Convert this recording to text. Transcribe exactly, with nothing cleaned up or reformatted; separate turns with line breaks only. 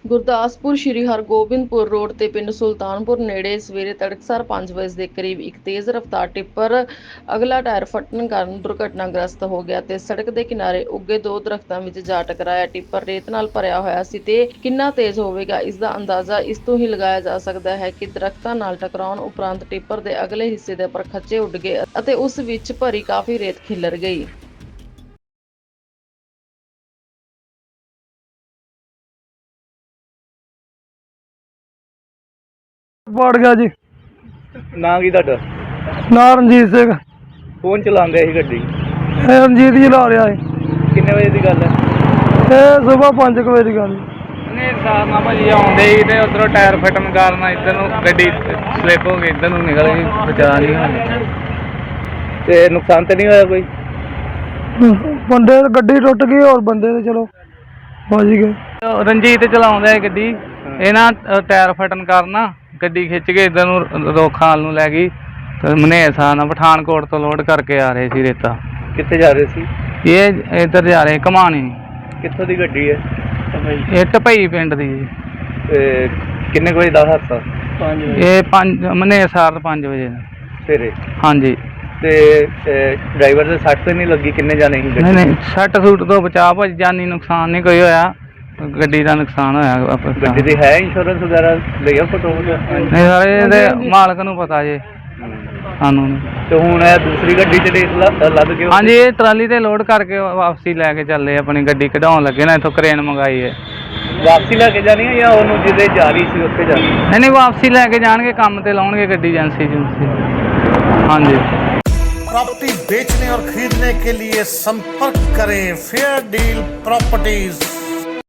ਗੁਰਦਾਸਪੁਰ ਸ਼੍ਰੀ Hargobindpur road ਤੇ ਪਿੰਡ ਸੁਲਤਾਨਪੁਰ ਨੇੜੇ ਸਵੇਰੇ ਤੜਕਸਾਰ ਪੰਜ ਵਜੇ ਦੇ ਕਰੀਬ ਇੱਕ ਤੇਜ਼ ਰਫ਼ਤਾਰ ਟਿੱਪਰ ਅਗਲਾ ਟਾਇਰ ਫਟਣ ਕਾਰਨ ਦੁਰਘਟਨਾਗ੍ਰਸਤ ਹੋ ਗਿਆ ਤੇ ਸੜਕ ਦੇ ਕਿਨਾਰੇ ਉੱਗੇ ਦੋ ਦਰਖਤਾਂ ਵਿੱਚ ਜਾ ਟਕਰਾਇਆ। ਟਿੱਪਰ ਰੇਤ ਨਾਲ ਭਰਿਆ ਹੋਇਆ ਸੀ ਤੇ ਕਿੰਨਾ ਤੇਜ਼ ਹੋਵੇਗਾ ਇਸ ਦਾ ਅੰਦਾਜ਼ਾ ਇਸ ਤੋਂ ਹੀ ਲਗਾਇਆ ਜਾ ਸਕਦਾ ਹੈ ਕਿ ਦਰਖਤਾਂ ਨਾਲ ਟਕਰਾਉਣ ਉਪਰੰਤ ਟਿੱਪਰ ਦੇ ਅਗਲੇ ਹਿੱਸੇ ਦੇ ਪਰਖੱਚੇ ਉੱਡ ਗਏ ਅਤੇ ਉਸ ਵਿੱਚ ਭਰੀ ਕਾਫੀ ਰੇਤ ਖਿਲਰ ਗਈ।
ਵੜ ਗਿਆ ਜੀ।
ਨਾਂ ਕੀ ਤੁਹਾਡਾ?
ਨਾਂ ਰਣਜੀਤ ਸਿੰਘ।
ਕੌਣ ਚਲਾਉਂਦੇ ਸੀ ਗੱਡੀ?
ਇਹ ਰਣਜੀਤ ਜੀ ਲਾ ਰਿਹਾ ਹੈ।
ਕਿੰਨੇ ਵਜੇ ਦੀ ਗੱਲ ਹੈ?
ਇਹ ਸਵੇਰ ਪੰਜ ਕੁ ਵਜੇ ਦੀ ਗੱਲ।
ਨਹੀਂ ਸਾਰ ਨਾਲ ਭਾਜੀ ਆਉਂਦੇ ਸੀ ਤੇ ਉਧਰੋਂ ਟਾਇਰ ਫਟਣ ਕਾਰਨ ਇੱਧਰ ਨੂੰ ਗੱਡੀ ਸਲਿੱਪ ਹੋ ਗਈ, ਇੱਧਰ ਨੂੰ ਨਿਕਲ ਗਈ, ਬਚਾ ਨਹੀਂ ਹੋਇਆ।
ਤੇ ਨੁਕਸਾਨ ਤਾਂ ਨਹੀਂ ਹੋਇਆ ਕੋਈ?
ਬੰਦੇ ਗੱਡੀ ਟੁੱਟ ਗਈ ਔਰ ਬੰਦੇ ਤੇ ਚਲੋ ਵੱਜ ਗਏ।
ਰਣਜੀਤ ਚਲਾਉਂਦਾ ਹੈ ਗੱਡੀ, ਇਹ ਨਾ ਟਾਇਰ ਫਟਣ ਕਾਰਨ ਨਾ ਗੱਡੀ ਖਿੱਚ ਕੇ ਇੱਧਰ ਨੂੰ ਰੋਖਾਲ ਨੂੰ ਲੈ ਗਈ ਤੇ ਮਨੇਸਾ ਨਾਲ ਪਠਾਨਕੋਟ ਤੋਂ ਲੋਡ ਕਰਕੇ ਆ ਰਹੇ ਸੀ ਰੇਤਾ।
ਕਿੱਥੇ ਜਾ ਰਹੇ ਸੀ?
ਇਹ ਇੱਧਰ ਜਾ ਰਹੇ ਘਮਾਣੀ।
ਕਿੱਥੋਂ ਦੀ ਗੱਡੀ ਹੈ?
ਇਹ ਢਪਈ ਪਿੰਡ ਦੀ ਜੀ।
ਤੇ ਕਿੰਨੇ ਕੁ ਵਜੇ ਦਾ ਹਾਦਸਾ?
ਇਹ ਪੰਜ ਮਨੇਸਾਰ ਪੰਜ ਵਜੇ
ਸਵੇਰੇ।
ਹਾਂਜੀ।
ਤੇ ਡਰਾਈਵਰ ਦੇ ਸੱਟ ਤੇ ਨਹੀਂ ਲੱਗੀ? ਕਿੰਨੇ ਜਾਣੇ ਸੀ?
ਨਹੀਂ ਨਹੀਂ ਸੱਟ ਸੂਟ ਤੋਂ ਬਚਾ ਭਾਜੀ, ਜਾਨੀ ਨੁਕਸਾਨ ਨਹੀਂ ਕੋਈ ਹੋਇਆ, ਗੱਡੀ ਦਾ ਨੁਕਸਾਨ ਹੋਇਆ।
ਗੱਡੀ ਦੀ ਹੈ ਇੰਸ਼ੋਰੈਂਸ ਵਗੈਰਾ ਲਿਆ ਫੋਟੋ?
ਨਹੀਂ ਸਾਰੇ ਇਹਦੇ ਮਾਲਕ ਨੂੰ ਪਤਾ ਜੇ, ਸਾਨੂੰ ਨਹੀਂ।
ਤੇ ਹੁਣ ਇਹ ਦੂਸਰੀ ਗੱਡੀ ਚ ਰੇਤ ਲੱਦ ਕੇ?
ਹਾਂਜੀ, ਇਹ ਟਰਾਲੀ ਤੇ ਲੋਡ ਕਰਕੇ ਵਾਪਸੀ ਲੈ ਕੇ ਚੱਲੇ, ਆਪਣੀ ਗੱਡੀ ਕਢਾਉਣ ਲੱਗੇ ਨਾ, ਇੱਥੋਂ ਕਰੇਨ ਮੰਗਾਈ ਹੈ।
ਵਾਪਸੀ ਲੈ ਕੇ ਜਾਣੀ ਹੈ ਜਾਂ ਉਹਨੂੰ ਜਿਹਦੇ ਜਾ ਰਹੀ ਸੀ ਉੱਥੇ ਜਾਣੀ?
ਨਹੀਂ ਨਹੀਂ ਵਾਪਸੀ ਲੈ ਕੇ ਜਾਣਗੇ, ਕੰਮ ਤੇ ਲਾਉਣਗੇ ਗੱਡੀ ਏਜੰਸੀ ਏਜੰਸੀ। ਹਾਂਜੀ।
प्रॉपर्टी बेचने और खरीदने के लिए संपर्क करें फेयर डील प्रॉपर्टीज।